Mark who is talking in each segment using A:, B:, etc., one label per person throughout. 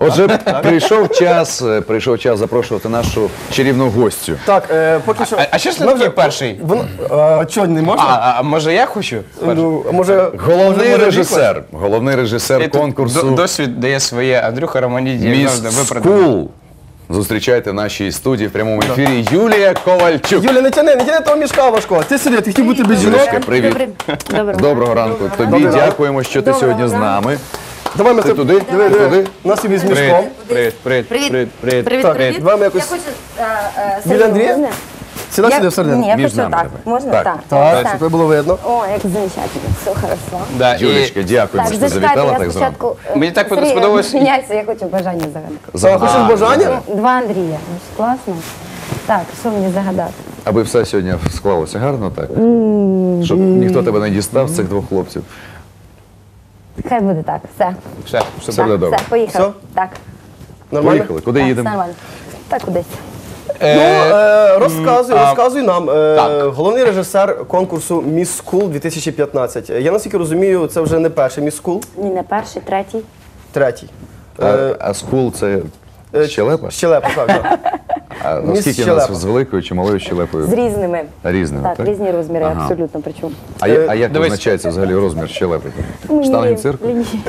A: Отже, прийшов час запрошувати нашу чарівну гостю.
B: Так, поки що...
C: А що ж ти такий перший?
B: Чого, не можна?
C: А може я хочу?
B: Ну, може...
A: Головний режисер конкурсу
C: Досвід дає своє. Андрюха Романідзе.
A: Міс Скул. Зустрічайте в нашій студії в прямому ефірі Юлія Ковальчук.
B: Юля, не тяни того мішка важкого. Ти сиди, ти хотів бути без жінок.
A: Юлечка, привіт. Доброго ранку. Тобі дякуємо, що ти сьогодні з нами.
B: Давай ми
A: Ти туди? Туди?
B: У нас тобі з мішком.
C: Привіт.
B: Давай ми якось... Біля Андрія? Сюди всередину.
D: Ні, я
A: Між
D: хочу
A: нами
D: так.
A: давай.
D: Можна
A: Так.
D: так?
B: Так,
D: Так.
B: щоб тебе було видно.
D: О, як замечательно, все хорошо.
C: Да, і
A: Юлечка, дякуємо, що ти завітала так зранку.
D: спочатку...
C: Мені так
D: Сергій,
C: сподобалось-
D: Міняйся, я хочу бажання загадати.
B: Хочеш бажання?
D: Два Андрія. Ну, ж класно. Так, що мені загадати?
A: Аби все сьогодні склалося гарно, так? Щоб ніхто тебе не дістав з цих двох хлопців.
D: Хай буде так, все.
A: Все буде добре.
D: Все, поїхали.
B: Все?
D: Так.
B: Нормально?
A: Поїхали. Куди
D: Так,
A: їдемо?
D: все нормально. Так, кудись.
B: Розказуй нам. Головний режисер конкурсу Міс Скул 2015. Я наскільки розумію, це вже не перший Міс Скул,
D: Ні, не перший, третій.
B: третій.
A: А Скул це щелепа?
B: Щелепа, так.
A: А
B: Міс
A: наскільки у нас
B: щелепа.
A: з великою чи малою щелепою?
D: З різними.
A: Різними,
D: Так,
A: так?
D: різні розміри,
A: Ага.
D: абсолютно, причому.
A: А як визначається взагалі розмір щелепи? Штанги цирку?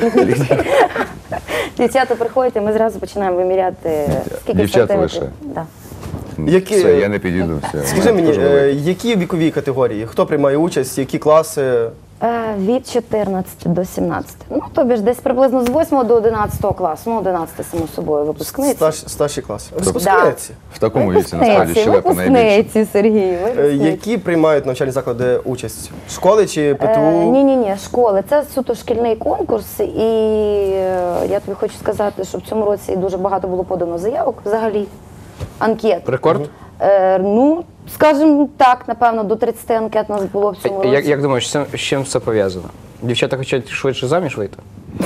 D: Дівчата приходять, і ми зразу починаємо виміряти, скільки
A: Дівчата
D: сантиметрів.
A: лише?
D: Да.
B: Які-
A: Все, я не підійду. Все.
B: Скажи мені,
A: Дуже великий.
B: які вікові категорії? Хто приймає участь, які класи?
D: Від 14 до 17. Ну, тобі ж десь приблизно з 8 до 11 класу. Ну, 11, само собою, випускниці.
B: Старші класи. Випускниці.
A: В такому віці насправді щелепа найбільше.
D: Випускниці, Сергій, випускниці.
B: Які приймають навчальні заклади участь? Школи чи ПТУ?
D: Ні, школи. Це суто шкільний конкурс, і я тобі хочу сказати, що в цьому році дуже багато було подано заявок взагалі, анкет.
C: Рекорд?
D: Ну, скажімо так, напевно, до 30 анкет у нас було в цьому році.
C: Як думаєш, з чим це пов'язано? Дівчата хочуть швидше заміж вийти?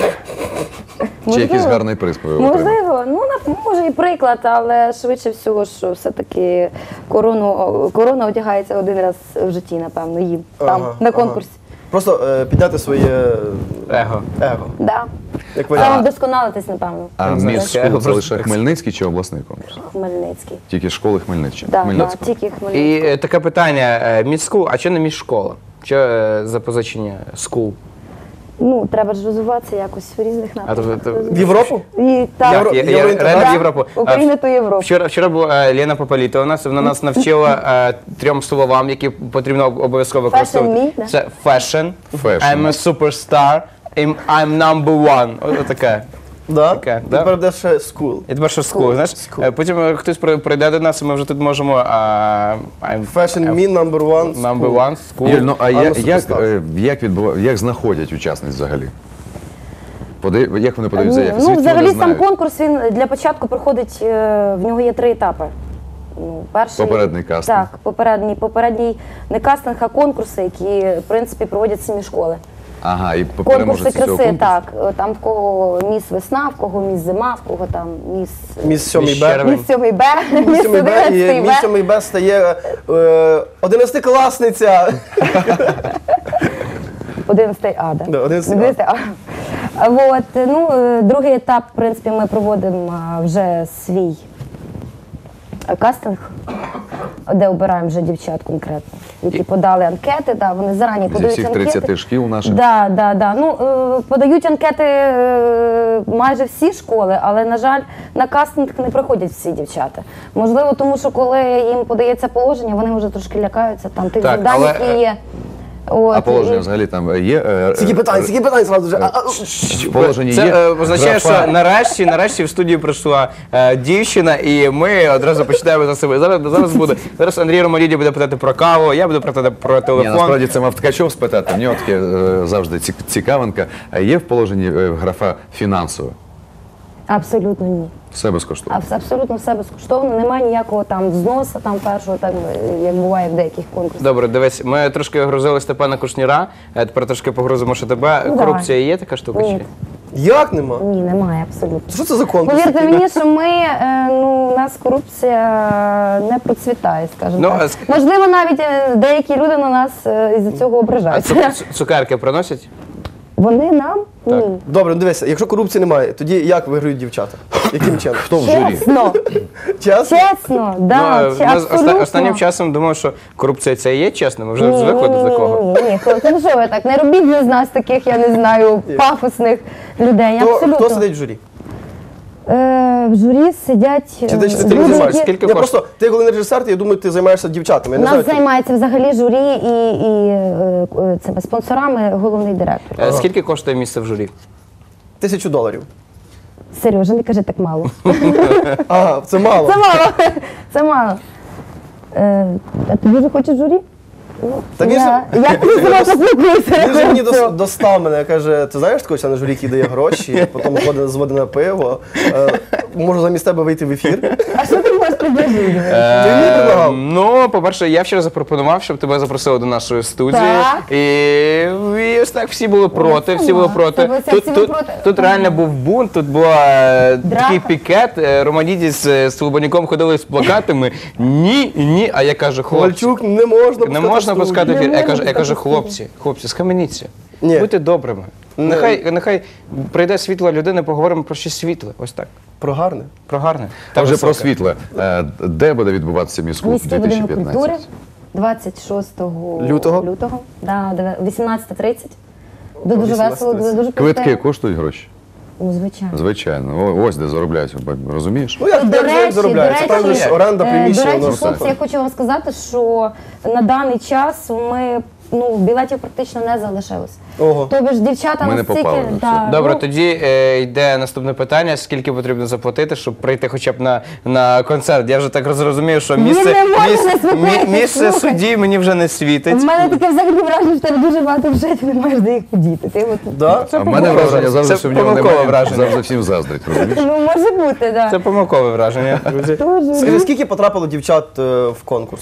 A: Чи якийсь гарний приз отримати?
D: Можливо, ну може і приклад, але швидше всього, що все-таки корона одягається один раз в житті, напевно, їм там, на конкурсі.
B: Просто підняти своє
C: Его.
B: его.
D: Да.
B: Як варіант.
D: Саме вдосконалитись, напевно.
A: А
C: знаю.
A: Міс
C: Я
A: Скул це
C: просто-
A: лише Хмельницький чи обласний конкурс?
D: Хмельницький.
A: Тільки школи Хмельниччини.
D: Да,
A: Хмельницького.
D: тільки Хмельницький.
C: І таке питання, міську, а чого не міжшкола? Що запозичення скул?
D: Ну, треба ж розвиватися якось в різних напрямках.
B: В Європу?
D: І так,
C: Я реально в Європу.
D: Україна то Європа.
C: Вчора була Лена Пополіта у нас, вона нас навчила 3 словам, які потрібно обов'язково використовувати.
D: Fashion me, да?
C: Це fashion,
A: Fashion.
C: I'm a superstar, I'm number one. Ось таке.
B: Да?
C: Таке, да.
B: Тепер буде ще скул.
C: І тепер що скул, знаєш? Потім хтось прийде до нас, і ми вже тут можемо I'm
B: Fashion me number one.
C: number
B: school.
C: one, school.
A: Юль, ну а
B: суперстар.
A: як знаходять учасниць взагалі? Як вони подають заявки?
D: Ну,
A: Звідки
D: взагалі
A: вони
D: сам
A: знають?
D: конкурс, він для початку проходить, в нього є 3 етапи. Ну, перший,
A: Попередній кастинг.
D: Так, попередній не кастинг, а конкурси, які, в принципі, проводять самі школи.
A: Ага, і
D: Конкурси
A: переможець цього
D: краси,
A: конкурсу?
D: так. Там в кого міс весна, в кого міс зима, в кого там міс...
B: Міс 7
C: Міс
B: Б.
C: червень.
D: Міс 7 Б, міс
B: 7 Б,
D: 11
B: і міс
D: Б.
B: 7 Б стає 11-класниця.
D: 11 А, да?
B: Да, 11 А.
D: 11 А. Вот, ну, другий етап, в принципі, ми проводимо вже свій кастинг, де обираємо вже дівчат конкретно, які подали анкети, да, вони зарані
A: Зі
D: подають
A: всіх
D: анкети.
A: 30 шкіл наших?
D: Да. Ну, подають анкети майже всі школи, але, на жаль, на кастинг не приходять всі дівчата. Можливо, тому що коли їм подається положення, вони вже трошки лякаються там тих
C: Так,
D: завдань,
C: але,
D: які є. От,
A: А положення
D: і-
A: взагалі там є?
B: Скільки питань зразу вже.
A: В положенні
C: Це
A: є?
C: означає,
A: графа?
C: що нарешті в студію прийшла дівчина, і ми одразу починаємо за себе. Зараз Андрій Романідзе буде питати про каву, я буду питати про
A: Ні,
C: телефон.
A: насправді це мав Ткачов спитати. В нього таке завжди цікавинка. А є в положенні графа фінансова?
D: Абсолютно ні.
A: Все безкоштовно.
D: Абсолютно все безкоштовно, немає ніякого там взносу, там першого, так, як буває в деяких конкурсах.
C: Добре, дивись, ми трошки грузили Степана Кушніра, тепер трошки погрузимо ще тебе.
D: Ну,
C: Корупція є така штука?
D: Ні.
C: Чи?
B: Як нема?
D: Ні, немає абсолютно.
B: Що це за конкурс?
D: Повірте мені, що ми, у нас корупція не процвітає, скажімо
C: Ну,
D: так. Можливо, навіть деякі люди на нас із-за цього
C: А
D: ображаються.
C: цукерки приносять?
D: Вони нам? Ні.
B: Добре, ну дивися, якщо корупції немає, тоді як виграють дівчата? Яким чином?
A: Хто в журі?
D: Чесно,
B: Чесно?
D: чесно, да,
C: Ну, ми
D: абсолютно.
C: останнім часом думав, що корупція це і є чесно, ми вже звикли до такого.
D: Ні, хлопці, ну що ви так, не робіть з нас таких, я не знаю, пафосних людей, абсолютно.
B: Хто сидить в журі?
D: В журі сидять
B: Чи ти
D: люди,
B: не займаєшся?
D: які-
C: Скільки
B: Ні,
C: коштує?
B: просто ти головний режисер, я думаю, ти займаєшся дівчатами. Я
D: У
B: не знаю,
D: нас займається взагалі журі і цими спонсорами головний директор.
C: Скільки коштує місце в журі?
B: $1000.
D: Сережа, не кажи так мало.
B: Ага, це мало.
D: Це мало. Це мало. А ти дуже хочеш журі?
B: Та він
D: Я тобі себе поспілкуюся.
B: Він же мені достав мене, каже, ти знаєш такого члена журі, який дає гроші, потім зводить на пиво. Можу замість тебе вийти в ефір.
D: А що ти можеш предложити?
B: Ти мені предлагав?
C: Ну, по-перше, я вчора запропонував, щоб тебе запросили до нашої студії.
D: Так.
C: І ось так всі були проти, всі були проти.
D: Всі були проти.
C: Тут реально був бунт, тут був такий пікет. Романідіс з Слободняком ходили з плакатами. Ні, ні. А я кажу, хлопці,
B: Ковальчук, не можна
C: не можна пускати ефір.
D: Не
C: Я
D: можна
C: кажу,
D: пускати
C: хлопці, схаменіться.
B: Ні.
C: Будьте добрими. Нехай прийде світла людина, поговоримо про щось світле. Ось так.
B: Про гарне.
C: Про гарне.
A: Та вже про
C: високе.
A: світле. Де буде відбуватися міську
D: Міський будинок культури
A: 2015?
D: 26
B: Лютого?
D: Да, 18:30. Буде дуже
B: 18:30.
D: весело, буде дуже
A: Квитки
D: круто.
A: коштують гроші?
D: Ну, звичайно.
A: Звичайно. Ось де заробляють, розумієш?
B: Ну, як як заробляється? Там же ж оренда приміщення.
D: до речі,
B: воно
D: хлопці,
B: все.
D: я хочу вам сказати, що на даний час ми білетів практично не залишилось.
B: Ого.
D: Тобто ж дівчата
A: Ми не
D: настільки...
A: попали на
D: да,
C: Добре,
D: ну,
C: тоді йде наступне питання. Скільки потрібно заплатити, щоб прийти хоча б на концерт? Я вже так розумію, що місце,
D: не може не слухати,
C: місце
D: слухай.
C: судді мені вже не світить.
D: в мене таке взагалі враження, що в тебе дуже багато вже ти не маєш де їх подіти. Ти от...
B: Да?
A: А в мене враження завжди,
C: Це
A: що в нього
C: помилкове
A: немає,
C: враження.
A: завжди всім заздрить, розумієш?
D: Ну, може бути, так.
C: Це помилкове враження, друзі.
B: Скажи, скільки потрапило дівчат в конкурс?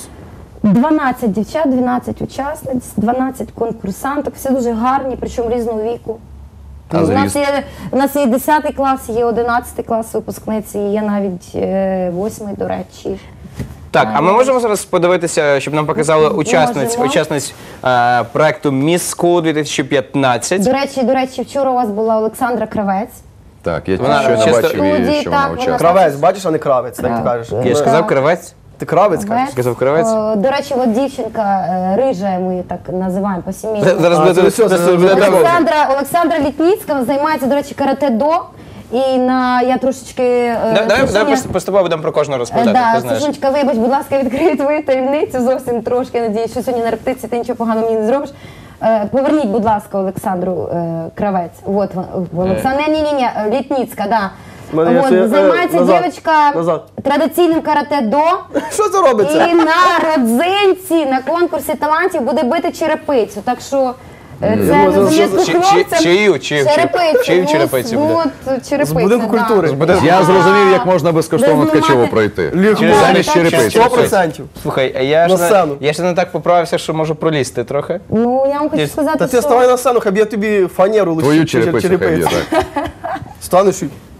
D: 12 дівчат, 12 учасниць, 12 конкурсанток, всі дуже гарні, причому різного віку.
A: А зріст?
D: У нас є 10 клас, є 11 клас випускниці, є навіть 8, до речі.
C: Так, а ми можемо зараз подивитися, щоб нам показали
D: Можемо.
C: учасниць проекту Miss School 2015.
D: До речі, вчора у вас була Олександра Кравець.
A: Так, я
C: Вона
A: ще не
C: чисто-
A: бачив її,
D: Студії,
A: що
D: так,
A: вона
D: вона
A: учасниця.
B: Кравець, бачиш, а не кравець, так ти кажеш.
C: Я ж сказав кривець.
B: Ти кравець кажеш?
C: Сказав кравець?
D: До речі, от дівчинка рижа, ми її так називаємо по сімейному.
C: Зараз буде
B: це все, це
C: буде
B: вже
C: добре.
D: Олександра Літніцька займається, до речі, карате-до. І я трошечки...
C: Давай поступово будемо про кожного розповідати, ти знаєш.
D: Сашунечка, вибач, будь ласка, відкрию твою таємницю зовсім трошки. Надіюсь, що сьогодні на репетиції ти нічого поганого мені не зробиш. Поверніть, будь ласка, Олександру Кравець. Вот, Олександра, ні, Літніцька, да.
B: Мене є ще,
D: Займається
B: назад,
D: дівчинка
B: назад.
D: традиційним карате-до.
B: Що це робиться?
D: І на родзинці, на конкурсі талантів буде бити черепицю. Так що це
B: думаю,
D: не зв'язку
C: Чи-
D: хлопцям.
C: чию
D: Черепицю
C: буде?
D: черепицю,
B: З будинку
D: да.
B: культури.
A: Я зрозумів, як можна безкоштовно
D: Без
A: Ткачево
D: знімати.
A: пройти.
B: Легко.
A: Замість черепиці.
B: 100%.
C: Слухай, а я
B: На
C: ж
B: сцену.
C: я ще не так поправився, що можу пролізти трохи.
D: Ну, я вам хочу
C: Ні,
D: сказати,
B: Та ти
D: що...
B: ставай на сцену, хай я тобі фанеру лишу.
A: Твою черепицю хай є, так.
B: Станеш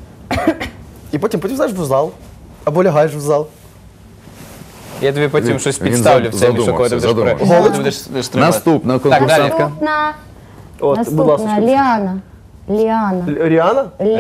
B: і потім знаєш в зал. Або лягаєш в зал.
C: Я тобі потім
A: Він-
C: щось
A: він
C: підставлю в цей мішок, коли ти будеш
A: задумався.
C: коли ти
B: Голочку?
C: будеш стрибати.
A: Наступна
C: далі.
A: конкурсантка.
B: От, будь ласка.
D: Наступна, Ліана.
B: Ріана?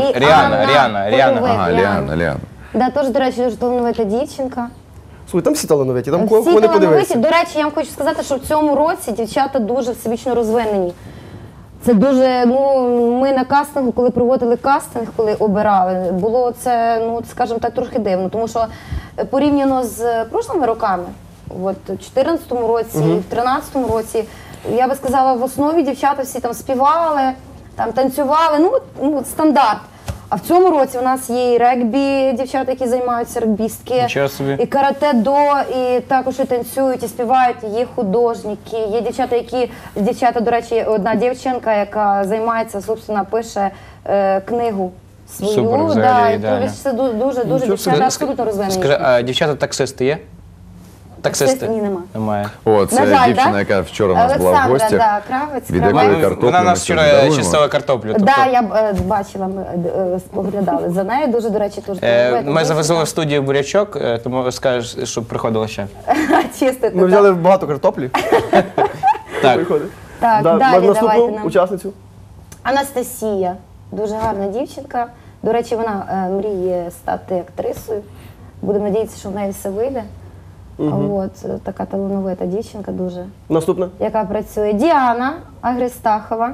C: Ріана.
A: Ага, Ліана.
D: Да, теж, до речі, дуже талановита дівчинка.
B: Слухай, там всі талановиті, там
D: Всі
B: кого не
D: талановиті.
B: подивишся.
D: До речі, я вам хочу сказати, що в цьому році дівчата дуже всебічно розвинені. Це дуже, ми на кастингу, коли проводили кастинг, коли обирали, було це, скажімо так, трохи дивно, тому що порівняно з прошлими роками, от у 2014 році, в 2013 році, я би сказала, в основі дівчата всі там співали, там танцювали, стандарт. А в цьому році у нас є і регбі, дівчата, які займаються регбістки,
C: Нічого собі.
D: і карате-до, і також і танцюють, і співають, є художники, є дівчата, до речі, одна дівчинка, яка займається, собственно, пише книгу свою.
C: Супер, взагалі,
D: і
C: ідеально.
D: це дуже дівчата абсолютно розвинені.
C: Скажи, а дівчата-таксисти є? Таксисти?
D: Ні, нема.
C: Немає.
A: О, це
D: На жаль,
A: дівчина,
D: да?
A: яка вчора у нас була в
D: Олександра,
A: гостях.
D: да, Кравець.
A: Від
D: Кравець.
A: якої картоплі
C: Вона
A: ми
C: нас
A: сьогодні
C: вчора
A: даруємо.
C: чистила картоплю. тобто,
D: Да, я бачила, ми споглядали за нею, дуже, до речі, дуже
C: Ми завезли в студію бурячок, тому скажеш, щоб приходила ще.
D: чистити.
B: Ми взяли багато картоплі.
C: Так.
B: Виходить.
D: Так,
B: Да,
D: далі
B: наступну
D: давайте нам.
B: учасницю.
D: Анастасія, дуже гарна дівчинка. До речі, вона мріє стати актрисою. Будемо надіятися, що в неї все вийде. От, така талановита дівчинка дуже,
B: Наступна.
D: яка працює. Діана Агристахова.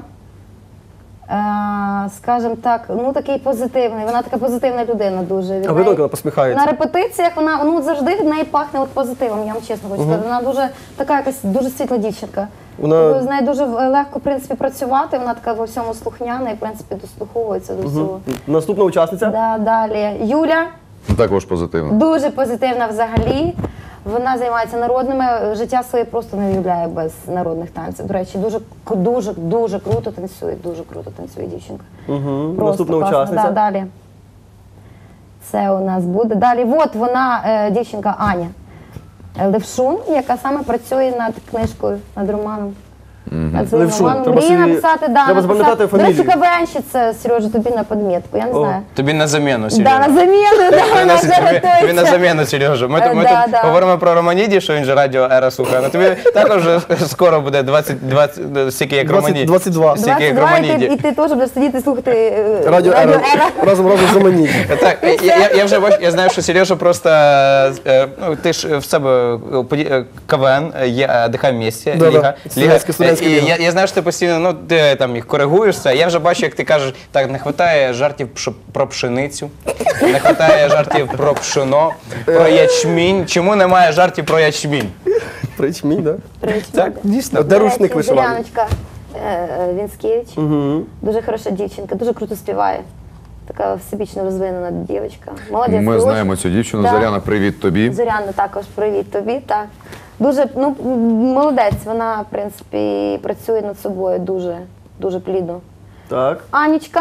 D: Скажімо так, ну такий позитивний, вона така позитивна людина дуже. Від
B: А ви
D: неї-
B: вона посміхається.
D: На репетиціях вона ну, завжди від неї пахне от позитивом, я вам чесно хочу сказати. Вона дуже така якась дуже світла дівчинка.
B: Вона-
D: З нею дуже легко, в принципі, працювати, вона така во всьому слухняна і, в принципі, дослуховується до всього.
B: Наступна учасниця.
D: Да, далі. Юля,
A: Також позитивно.
D: дуже позитивна взагалі. Вона займається народними, життя своє просто не уявляє без народних танців. До речі, дуже круто танцює дівчинка. Просто
B: Наступна
D: класно.
B: учасниця.
D: Да, далі. Це у нас буде. Далі, от вона, дівчинка Аня Левшун, яка саме працює над книжкою, над романом. Над своїм
B: Левшун.
D: романом.
B: Треба
D: Мріє
B: собі-
D: написати,
B: треба запам'ятати
D: До речі,
B: фамілію.
D: КВНщиця, Сережа, тобі на подмітку, я не знаю.
C: Тобі на заміну,
D: Да,
C: Сережа.
D: на заміну, да, вона вже
C: Тобі на
D: готується.
C: заміну, Сережа. Ми тут
D: Да.
C: говоримо про Романіді, що він же радіо Ера слухає. Ну тобі також скоро буде 20, стільки як
B: 20,
C: Романіді.
B: 22.
C: Стільки як
D: 22, і
C: Романіді.
D: ти теж будеш сидіти і слухати
B: Радіо Ера. Разом з Романіді.
C: Так, я вже бачу, я знаю, що Сережа просто, ну, ти ж в себе КВН, є «Дихай вместе»,
B: Да-да,
C: Ліга.
B: студентська
C: І
B: ліга.
C: я знаю, що ти постійно, ну, ти там їх коригуєшся. Я вже бачу, як ти кажеш, так, не вистачає жартів про пшеницю, не вистачає жартів про пшено, про ячмінь. Чому немає жартів про ячмінь?
B: Причмінь, так?
C: Так, дійсно.
B: Де рушник вишиваний?
D: Зоряночка Вінськевич. Дуже хороша дівчинка, дуже круто співає. Така всебічно розвинена дівчинка. Молодець.
A: Ми
D: дуже.
A: знаємо цю дівчину.
D: Да.
A: Зоряна, привіт тобі.
D: Зоряна також привіт тобі. Так. Дуже ну, молодець, вона, в принципі, працює над собою дуже плідно.
B: Так.
D: Анічка.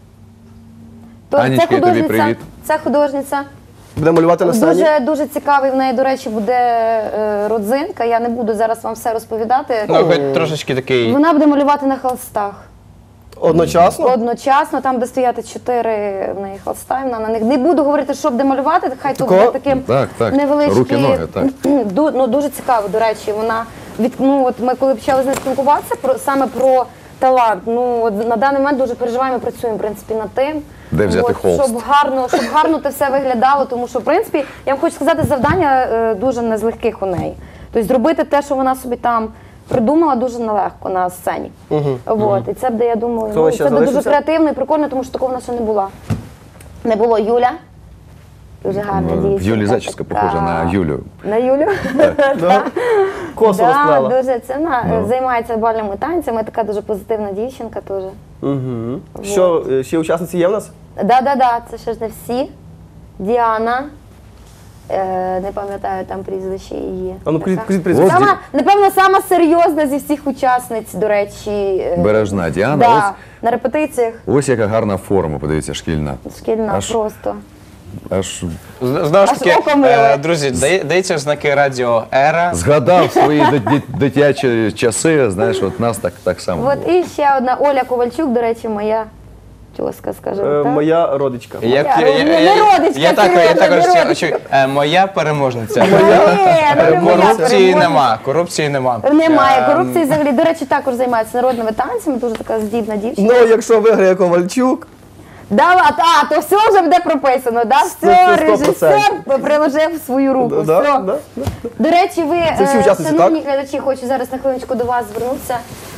A: Анічка, і тобі привіт.
D: Це художниця.
B: Буде малювати на сцені.
D: Дуже цікавий в неї, до речі, буде родзинка. Я не буду зараз вам все розповідати.
C: Ну, хоч трошечки такий.
D: Вона буде малювати на холстах.
B: Одночасно?
D: Одночасно, там, де стояти 4 в неї холста, і вона на них. Не буду говорити, що буде малювати, хай тут
B: Такого?
D: буде таким
A: Так,
D: невеличкий.
A: руки, ноги, так.
D: Ну, дуже цікаво, до речі. Вона от ми коли почали з нею спілкуватися саме про талант. Ну, от на даний момент дуже переживаємо, працюємо, в принципі, над тим.
A: Де взяти холст?
D: Щоб гарно це все виглядало, тому що, в принципі, я вам хочу сказати, завдання дуже не з легких у неї. Тобто зробити те, що вона собі там придумала, дуже нелегко на сцені. От. І це буде, я думаю,
B: Хто ще
D: це буде дуже
B: залишився?
D: креативно і прикольно, тому що такого в нас ще не було. Не було Юля. Дуже гарна
A: В
D: дівчинка.
A: Юлі зачіска
D: така.
A: похожа на Юлю.
D: На Юлю?
B: Косу
D: Да,
B: розплела.
D: дуже це вона займається бальними танцями, така дуже позитивна дівчинка теж.
B: Що, ще учасниці є в нас?
D: Да, це ще ж не всі. Діана. Не пам'ятаю там прізвище її.
B: А ну,
D: Така.
B: кажіть прізвище.
D: Сама, напевно, сама серйозна зі всіх учасниць, до речі.
A: Бережна Діана.
D: Да, на репетиціях
A: Ось яка гарна форма, подивіться, шкільна.
D: шкільна
A: Аж-
D: просто.
A: Аж
C: Знову ж
D: Аж
C: таки,
D: око миле.
C: друзі, дається знаки радіо Ера.
A: згадав свої дитячі часи, знаєш, от нас так само
D: От
A: було.
D: і ще одна Оля Ковальчук, до речі, моя тьоска, скажімо так.
B: Моя родичка.
D: Не родичка,
C: Я
D: Сережа,
C: також
D: не родичка.
C: чую. Моя переможниця.
D: Ні, ну, не моя
C: Корупції
D: переможниця.
C: Корупції нема.
D: Немає корупції взагалі. До речі, також займається народними танцями, дуже така здібна дівчина.
B: Ну, якщо виграє Ковальчук,
D: То все вже буде прописано, да? Все,
B: 100%.
D: режисер приложив свою руку.
B: да,
D: все.
B: да.
D: До речі, ви,
B: Це всі учасниці,
D: шановні глядачі, хочу зараз на хвилиночку до вас звернутися.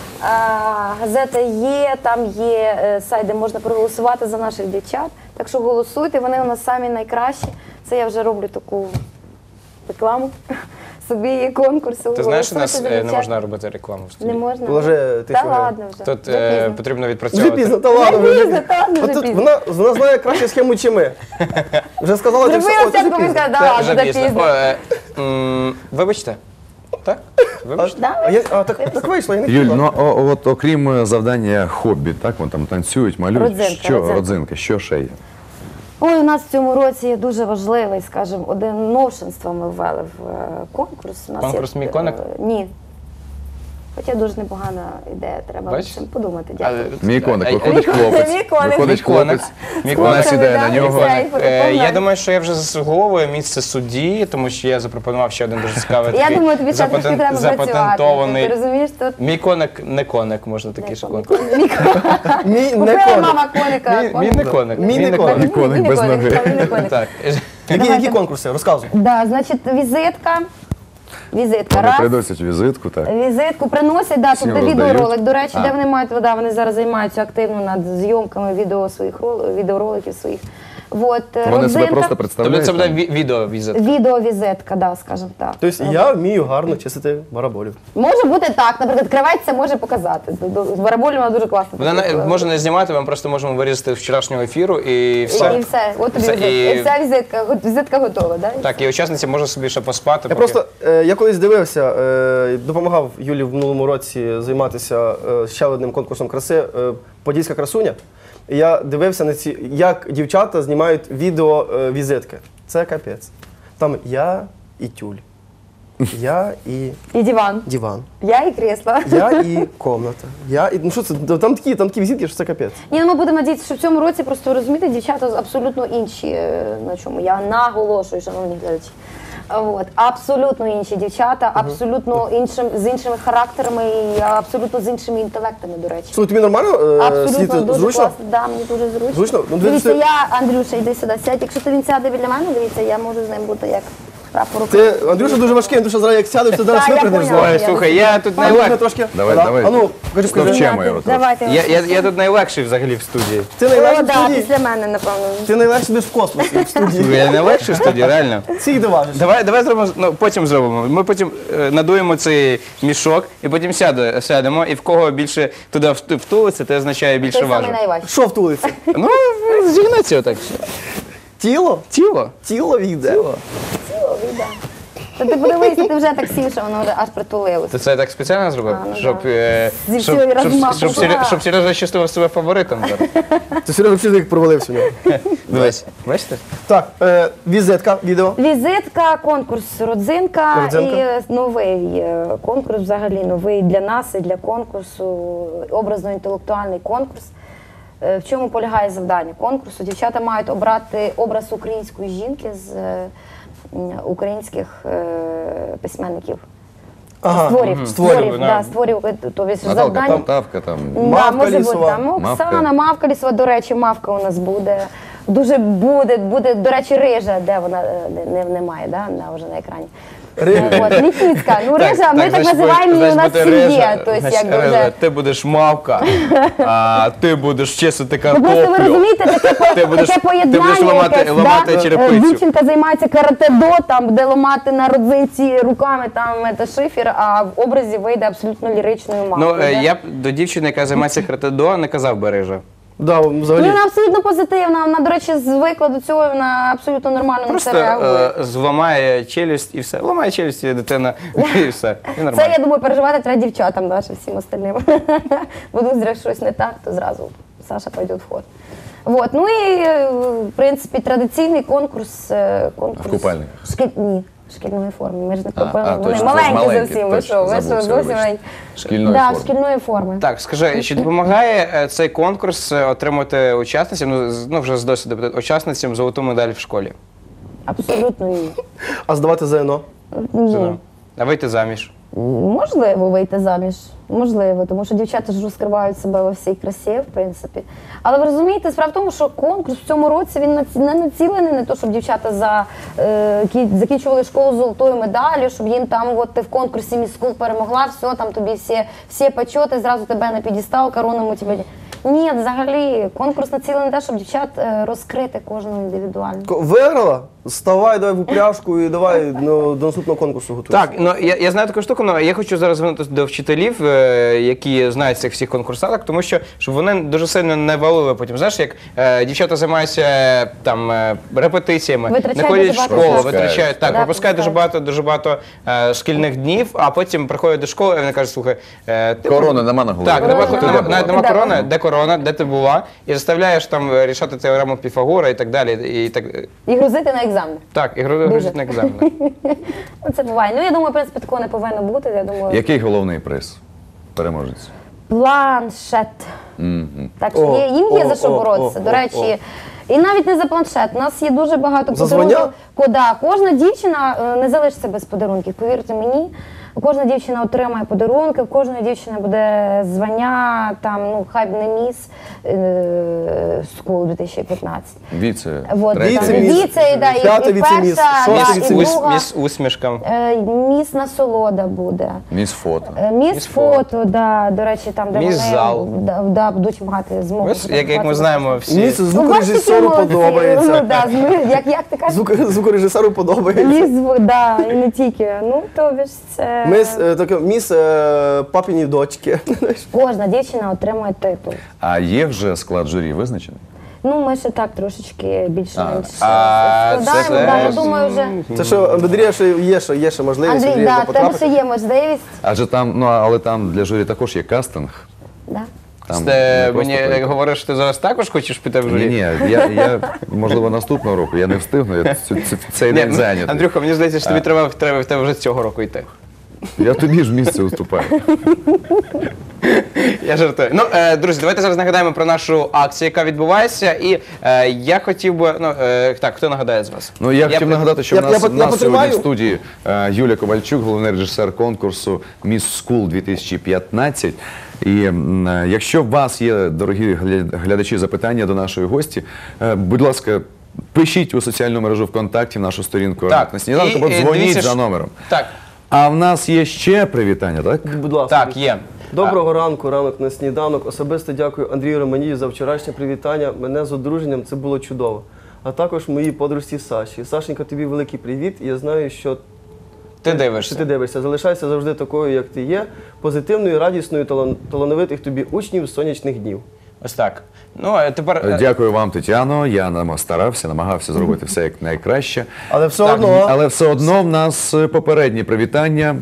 D: Газета є, там є сайт, де можна проголосувати за наших дівчат. Так що голосуйте, вони у нас самі найкращі. Це я вже роблю таку рекламу собі конкурсу.
C: Ти знаєш, у нас
D: Голосуйте за
C: не
D: дівчат.
C: можна робити рекламу в
D: Не
C: студії.
D: можна?
B: Положи, ти
D: Та
B: що,
D: ладно вже.
C: Тут
D: Вже пізно.
C: потрібно
B: вже
C: відпрацьовувати.
B: пізно, та ладно.
D: Вже
B: вже
D: пізно, та ладно,
B: А
D: вже
B: тут
D: пізно.
B: вона знає кращу схему, чи ми. Вже сказала, ти
D: Зробила
B: все,
D: все,
B: о,
D: коли
B: це
D: сказала,
B: пізно.
D: да ладно,
C: Вже
D: вже
C: пізно.
D: пізно.
C: Вибачте. Так? Вибачте.
B: Так вийшло, я не
A: Юль,
B: хотіла.
A: ну от окрім завдання хобі, так, вон там танцюють, малюють.
D: Родзинка.
A: Родзинка, що ще є?
D: Ой, у нас в цьому році є дуже важливий, скажімо, один новшинство ми ввели в конкурс. У нас
C: Конкурс
D: є,
C: «Мій коник»?
D: Ні. Хоча дуже непогана ідея, треба над
C: Бачиш?
D: цим подумати. Дякую.
A: Мій коник,
C: А-
A: виходить хлопець.
D: Мій коник.
A: Виходить
C: Мій коник.
A: хлопець,
C: Мій
A: вона
C: коник.
A: сідає на нього.
C: Я думаю, що я вже заслуговую місце судді, тому що я запропонував ще один дуже цікавий
D: Я
C: такий
D: думаю, тобі ще трошки треба працювати.
C: запатентований.
D: Ти розумієш, тут
C: Мій коник не коник, можна такий ще коник.
B: Мій не
D: Купила
B: коник.
D: мама коника.
C: Мій не коник.
B: Мій не коник.
A: Мій коник без ноги.
C: Так.
B: Які конкурси? Розказуй.
D: Да, значить, візитка. Візитка.
A: Вони
D: Раз.
A: приносять візитку, так.
D: Візитку приносять, да,
A: Всім
D: тобто
A: роздають?
D: відеоролик. До речі,
A: А.
D: де вони мають, да, вони зараз займаються активно над зйомками відеороликів своїх. Вот,
A: Вони себе
D: родзинка.
A: просто
C: Тобто
A: представляють.
C: це буде
A: там.
C: відеовізит.
D: Відеовізитка, да, скажімо так.
B: Тобто я вмію гарно чистити бараболів.
D: Може бути так, наприклад, креветця може показати. З бараболем вона дуже класно.
C: Вона може не знімати, ми просто можемо вирізати з вчорашнього ефіру і все.
D: І все, от тобі
C: Все,
D: візитка.
C: і-
D: І вся візитка готова, да?
C: Так, і учасниця може собі ще поспати.
B: Я просто я колись дивився, допомагав Юлі в минулому році займатися ще одним конкурсом краси Подільська красуня. І я дивився на ці, як дівчата знімають відео візитки. Це капець. Там я і тюль, я і
D: І диван.
B: диван,
D: Я і крісло.
B: я і комната. Ну що це? Там такі візитки, що це капець.
D: Ні, ну ми будемо надіятися, що в цьому році просто розумієте, дівчата абсолютно інші. На чому я наголошую, шановні глядачі. От, абсолютно інші дівчата, абсолютно з іншими характерами і абсолютно з іншими інтелектами, до речі.
B: Слухай, тобі нормально
D: Абсолютно
B: сидіти
D: дуже
B: зручно?
D: класно, да, мені дуже зручно.
B: Зручно? Ну,
D: Дивіться,
B: дивіться,
D: я, Андрюша, йди сюди, сядь. Якщо то він сяде біля мене, дивіться, я можу з ним бути як прапор
B: Ти, Андрюша, дуже важкий, Андрюша зараз як сядеш, ти зараз
D: Так, я
B: випрыгнеш з
D: поняла.
B: лави.
C: Ой, слухай, я тут
B: Андрюша,
C: найлегший.
B: трошки.
A: Давай,
B: Да?
A: давай.
B: А ну, кажи,
A: Навчимо його.
D: Давайте.
C: Я тут найлегший взагалі в студії.
B: Ти
D: О,
B: найлегший в
D: да,
B: студії.
D: після мене, напевно.
B: Ти найлегший десь в космосі, в студії.
C: Я найлегший в студії, реально.
B: Всіх доважиш.
C: Давай зробимо, ну потім зробимо. Ми потім надуємо цей мішок і потім сядемо, і в кого більше туди втулиться, це означає більше
D: Той самий
C: важить.
D: найважчий.
B: Що втулиться?
C: Ну, зігнеться отак.
B: Тіло?
C: Тіло.
B: Тіло війде.
D: Ціло, да. Та ти подивися, ти вже так сів, що воно вже аж притулилося.
C: Ти це так спеціально зробив?
D: А, ну
C: Щоб,
D: да. Зі всієї розмаху.
C: щоб Сережа чувствував себе фаворитом зараз.
B: Ти серйозно вчити, як провалився в нього.
C: Дивись, бачите?
B: Так, візитка, відео.
D: Візитка, конкурс родзинка,
B: Родзинка.
D: і новий конкурс, взагалі новий для нас і для конкурсу, образно-інтелектуальний конкурс. В чому полягає завдання конкурсу? Дівчата мають обрати образ української жінки з українських письменників.
B: Ага.
D: Створів,
C: да.
D: да, створів, тобто
A: Наталка
D: завдання.
A: Полтавка там.
D: Да,
B: Мавка
D: може бути,
B: лісова.
D: там
A: Мавка.
D: Оксана, Мавка лісова, до речі, Мавка у нас буде. Дуже буде, до речі, рижа, де вона немає, да, вже на екрані. От, Ліпіцька, ну рижа, ми так називаємо її у нас в сім'ї. Тобто, як би вже.
C: Ти будеш мавка, а ти будеш чистити
D: Ну просто ви
C: картоплю.
D: розумієте, таке
C: будеш
D: поєднання якесь,
C: ламати
D: да?
C: черепицю.
D: Дівчинка займається карате-до, там, де ламати на родзинці руками там це шифер, а в образі вийде абсолютно ліричною
C: Ну,
D: мавкою. да?
C: я б до дівчини, яка займається карате-до, не казав би рижа.
B: Да,
D: Ну,
B: взагалі.
D: вона абсолютно позитивна, вона, до речі, звикла до цього, вона абсолютно нормально на
C: Просто
D: це реагує.
C: зламає челюсть і все. Ламає челюсть і дитина, і все. І
D: Це,
C: нормально.
D: я думаю, переживати треба дівчатам, да, ще всім остальним. Будуть зря щось не так, то зразу Саша пойде в ход. Вот. Ну і, в принципі, традиційний конкурс.
A: В купальниках?
D: Ні, шкільної форми. Ми ж не
A: А,
D: купили. Вони
A: точно,
D: маленькі
A: маленькі,
D: зовсім. Ви
A: точно,
D: що, ви
A: забувся,
D: зовсім
A: вибачте.
D: маленькі.
A: Шкільної
D: Да,
A: форми.
D: шкільної форми.
C: Так, скажи, чи допомагає цей конкурс отримати учасницям, ну вже з досвіду, учасницям золоту медаль в школі?
D: Абсолютно ні.
B: А здавати ЗНО?
D: Ні.
C: А вийти заміж?
D: Можливо вийти заміж, можливо, тому що дівчата ж розкривають себе во всій красі, в принципі. Але ви розумієте, справа в тому, що конкурс в цьому році він не націлений на те, щоб дівчата закінчували школу з золотою медаллю, щоб їм там от ти в конкурсі Міс Скул перемогла, все, там тобі всі почоти, зразу тебе на підістал, короному тебе. Ні, взагалі, конкурс націлений на те, щоб дівчат розкрити кожну індивідуально.
B: Виграла? Вставай, давай в упряжку і давай до наступного конкурсу готуйся.
C: Так, ну я знаю таку штуку, але я хочу зараз звернутися до вчителів, які знають цих всіх конкурсанток, тому що щоб вони дуже сильно не валили потім. Знаєш, як дівчата займаються там репетиціями,
D: Витрачають
C: не ходять в
D: дуже багато
C: школу,
D: часу.
C: витрачають так,
D: Да,
C: пропускають дуже багато шкільних днів, а потім приходять до школи і вони кажуть, слухай, ти
A: Корони нема на голові.
C: Так, навіть нема
D: Де
C: корони,
D: вона?
C: де корона, де ти була, і заставляєш там рішати теорему Піфагора і так далі.
D: І грузити на екзамен.
C: Так, і грузить на екзаменах.
D: Ну, це буває. Ну, я думаю, в принципі, такого не повинно бути. Я думаю,
A: Який головний приз? переможець?
D: Планшет. Так що їм є за що боротися. До речі, і навіть не за планшет. У нас є дуже багато
B: За
D: подарунків.
B: звання?
D: Кожна дівчина не залишиться без подарунків, повірте мені. Кожна дівчина отримає подарунки, в кожної дівчини буде звання, там, ну, хай б не міс School 2015.
A: Віце.
D: Вот,
A: третє.
D: там
B: Віце-міс,
D: віце, да,
B: п'яте
D: і
B: віце-міс,
D: перша,
B: шосте
D: да, і
B: віце-міс.
D: друга.
C: Міс усмішка.
D: Міс насолода буде.
A: Міс фото.
D: Міс фото, да, до речі, там, де
C: Міс
D: вони
C: зал.
D: Да, будуть мати змогу.
C: Ось, як ми
D: фотографувати.
C: знаємо, всі.
B: Мені це
D: Ну,
B: звукорежисеру
D: бачите, молодці. Ну,
B: подобається.
D: да, як ти кажеш?
B: Звукорежисеру подобається.
D: Міс, да, і не тільки. Ну, тобі ж це...
B: Міс папіні дочки.
D: Кожна дівчина отримує титул.
A: А є вже склад журі визначений?
D: Ну, ми ще так трошечки більш-менш
C: А,
D: складаємо.
C: це
D: Да, я
C: теж.
D: думаю, вже...
B: Це що, Андрія ще є ще можливість.
D: Андрій,
B: Андрія
D: да, в тебе
B: потрапити.
D: ще є можливість.
A: Адже там, ну але там для журі також є кастинг.
D: Да.
A: Там
C: Ти
A: не просто
C: мені
A: прийти.
C: говориш, що ти зараз також хочеш піти в журі?
A: Ні, я можливо наступного року, я не встигну, я цей
C: Ні,
A: день
C: ну,
A: зайнятий.
C: Андрюха, мені здається, що тобі треба в тебе вже цього року йти.
A: Я тобі ж місце уступаю.
C: Я жартую. Ну, друзі, давайте зараз нагадаємо про нашу акцію, яка відбувається. І я хотів би. Ну, так, хто нагадає з вас?
A: Ну, я хотів нагадати, що
B: Я
A: в нас сьогодні
B: потримаю.
A: в студії Юлія Ковальчук, головний режисер конкурсу Miss School 2015. І якщо у вас є, дорогі глядачі, запитання до нашої гості, будь ласка, пишіть у соціальну мережу ВКонтакті в нашу сторінку
C: Так,
A: на сніданку,
C: і,
A: або дзвоніть
C: дивіться,
A: за
C: що-
A: номером.
C: Так,
A: А в нас є ще привітання, так?
B: Будь ласка.
C: так, є.
B: Доброго ранку, ранок на сніданок. Особисто дякую Андрію Романію за вчорашнє привітання. Мене з одруженням, це було чудово. А також моїй подружці Саші. Сашенька, тобі великий привіт. Я знаю, що
C: Ти дивишся.
B: ти дивишся. Залишайся завжди такою, як ти є. Позитивною, радісною, талановитих тобі учнів сонячних днів.
C: Ось так. Ну, а тепер.
A: Дякую вам, Тетяно. Я старався, намагався зробити все як найкраще.
B: Але все
C: Так,
B: одно.
A: Але все одно в нас попереднє привітання.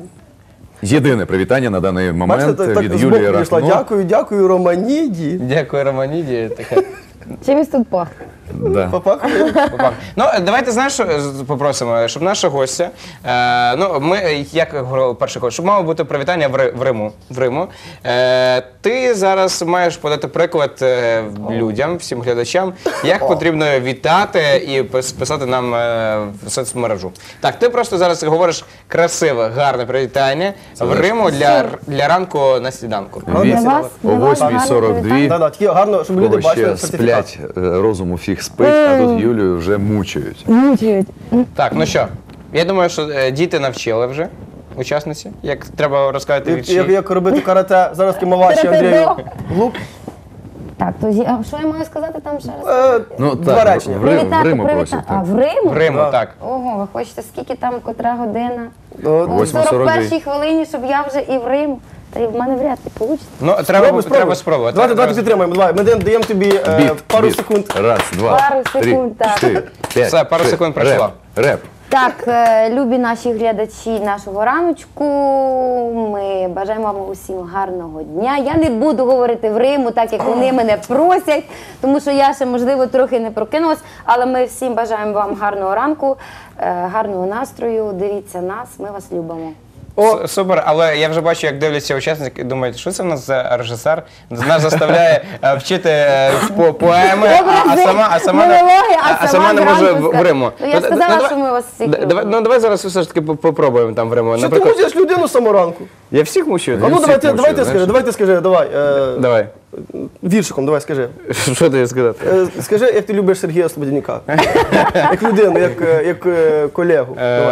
A: Єдине привітання на даний момент
B: Бачите, так
A: від
B: збоку
A: Юлії
B: прийшла.
A: Рахно.
B: Дякую, Романіді.
C: Дякую, Романіді. Таке.
D: Чимось тут пахне.
A: Да.
B: Попахує.
C: Попав. Ну, давайте, знаєш, що попросимо, щоб наша гостя, ну, ми, як говорили перший ход, щоб мало бути привітання в Риму. Ти зараз маєш подати приклад людям, всім глядачам, як потрібно вітати і писати нам в соцмережу. Так, ти просто зараз говориш красиве, гарне привітання в Риму для ранку на сніданку.
A: Від
D: Для вас,
A: о
D: для вас гарне
A: 8:42.
D: привітання.
B: Да, такі гарно, щоб люди
A: Кого
B: бачили
A: ще
B: сертифікат.
A: сплять, розуму фіг спить, а тут Юлію вже мучають.
D: Мучають.
C: Так, ну що, я думаю, що діти навчили вже учасниці, як треба розказати вірші.
B: Як робити карате, зараз кимоваші Андрію.
D: Карате-до.
B: Глуп.
D: Так, то а що я маю сказати там ще раз?
A: Ну
B: Два
A: так,
B: речення.
A: в Риму просять.
D: А,
A: так.
D: в Риму?
C: В Риму,
B: Да.
C: так.
D: Ого, ви хочете, скільки там, котра година?
B: Ну,
D: О
A: 8:42.
D: 41-й хвилині, щоб я вже і в Рим. Та й в мене вряд ли вийде.
C: Ну, треба спробувати.
B: Давайте підтримаємо. Давай, ми даємо тобі пару секунд.
A: Раз, два,
D: Пару
A: три,
D: секунд, так.
A: 4, 5.
C: Все, пару секунд пройшло.
A: Реп.
D: Так, любі наші глядачі нашого раночку, ми бажаємо вам усім гарного дня. Я не буду говорити в Риму, так як вони мене просять, тому що я ще, можливо, трохи не прокинулась, але ми всім бажаємо вам гарного ранку, гарного настрою, дивіться нас, ми вас любимо.
C: Супер, але я вже бачу, як дивляться учасники і думають, що це в нас за режисер? Нас заставляє вчити поеми, а сама не може в Риму.
D: Ну, я сказала, що ми вас всіх любимо.
C: Ну, давай зараз все ж таки попробуємо там в Риму.
B: Що ти мучиш людину саморанку?
C: Я всіх мучу.
B: А ну
A: всіх
B: давай ти
A: мучаю,
B: скажи,
A: знаєш.
B: давай ти скажи, давай.
C: Давай.
B: Віршиком, давай скажи.
C: Що ти сказати?
B: Скажи, як ти любиш Сергія Слободяніка. Як людину, як колегу.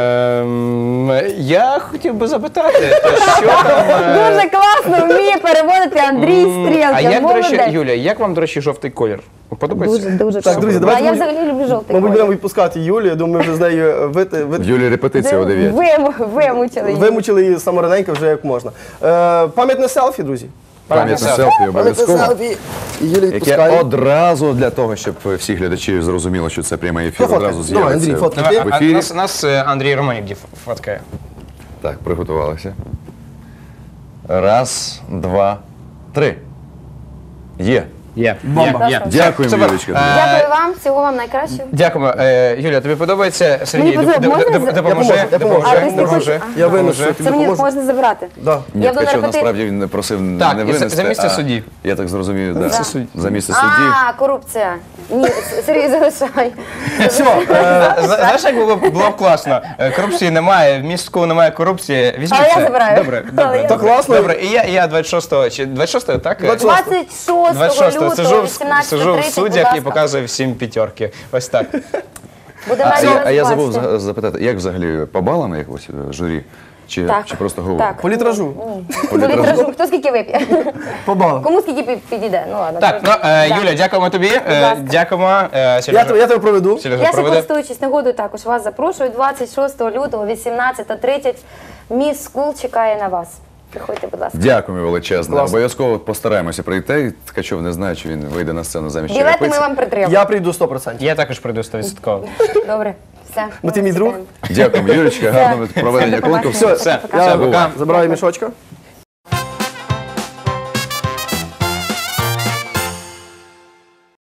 B: Давай.
C: Я хотів би запитати, то що там...
D: Дуже класно вміє переводити Андрій Стрілка.
C: А як, до речі,
D: Молодець.
C: Юля, як вам, до речі, жовтий колір? Подобається?
D: Дуже
B: Так, друзі,
D: А
B: давайте
D: я
B: ми-
D: взагалі люблю жовтий
B: Мабуть,
D: колір.
B: будемо відпускати Юлію, я думаю, ми вже з нею
A: Юлі репетиція о 9.
D: Вимучили її.
B: вимучили її самораненько вже як можна. Пам'ятне селфі, друзі.
A: Пам'ятне селфі обов'язково.
B: І Юлія
A: Яке
B: відпускає.
A: одразу для того, щоб всі глядачі зрозуміли, що це прямий ефір,
B: Фоткай.
A: одразу
B: Давай,
A: з'явиться
B: Андрій, фоткай.
C: Давай,
A: в ефірі.
C: нас Андрій Романів фоткає.
A: Так, приготувалися. Раз, два, три. Є.
C: Є.
B: Бомба.
C: Є.
A: Дякуємо,
C: Супер.
A: Юлічка.
D: Дякую вам, всього вам найкращого.
C: Дякуємо. Юля, тобі подобається? Сергій,
D: Мені подобається. Можна
C: допоможи.
B: Я поможу.
D: А, ти не хочеш?
B: Я винесу.
D: Це мені можна забирати.
B: Да.
A: Ні,
D: Я буду
A: Ткачов
D: на
A: насправді він не просив
C: Так,
A: не
C: і
A: винести.
C: за місце
A: а
C: судді.
A: Я так зрозумів, да. За місце судді.
D: А, корупція. Ні, Сергій, залишай.
B: Все,
C: Знаєш, як було б класно? Корупції немає, в містку немає корупції. Візьми
D: Але я
C: це.
D: забираю.
C: Добре,
D: Але
C: добре.
D: я
C: добре.
B: класно.
C: Добре, і я 26-го, чи 26-го, так?
D: 26 лютого,
C: сижу в
D: 18:30,
C: суддях і
D: будь ласка.
C: показую всім п'ятерки. Ось так.
D: Буде
A: А
D: раді
A: я
D: вас
A: забув
D: бачити.
A: запитати, як взагалі по балам якось журі? Чи
D: Так.
A: просто говорить?
D: Так.
B: по літражу.
D: По літражу. Хто скільки вип'є?
B: По балам.
D: Кому скільки підійде? Ну ладно.
C: Так, Юля, дякуємо тобі.
D: ласка.
C: Дякуємо.
B: Я
C: Сережа
B: тебе проведу.
C: Сережа
D: Я
C: проведе.
D: користуючись нагодою, також вас запрошую. 26 лютого, 18:30. Міс Скул чекає на вас. Приходьте, будь ласка.
A: Дякуємо величезно.
B: Класно.
A: Обов'язково постараємося прийти. Ткачов не знає, чи він вийде на сцену замість
D: Білети ми
A: Черепиці.
D: вам притримаємо.
B: Я прийду 100%.
C: Я також прийду 100%.
D: Добре, все.
B: Бо ти мій друг?
A: Дякуємо, Юлічка. Гарного проведення
D: Все, до побачення.
A: конкурсу.
C: Все,
B: Я
C: пока.
B: забираю мішочка.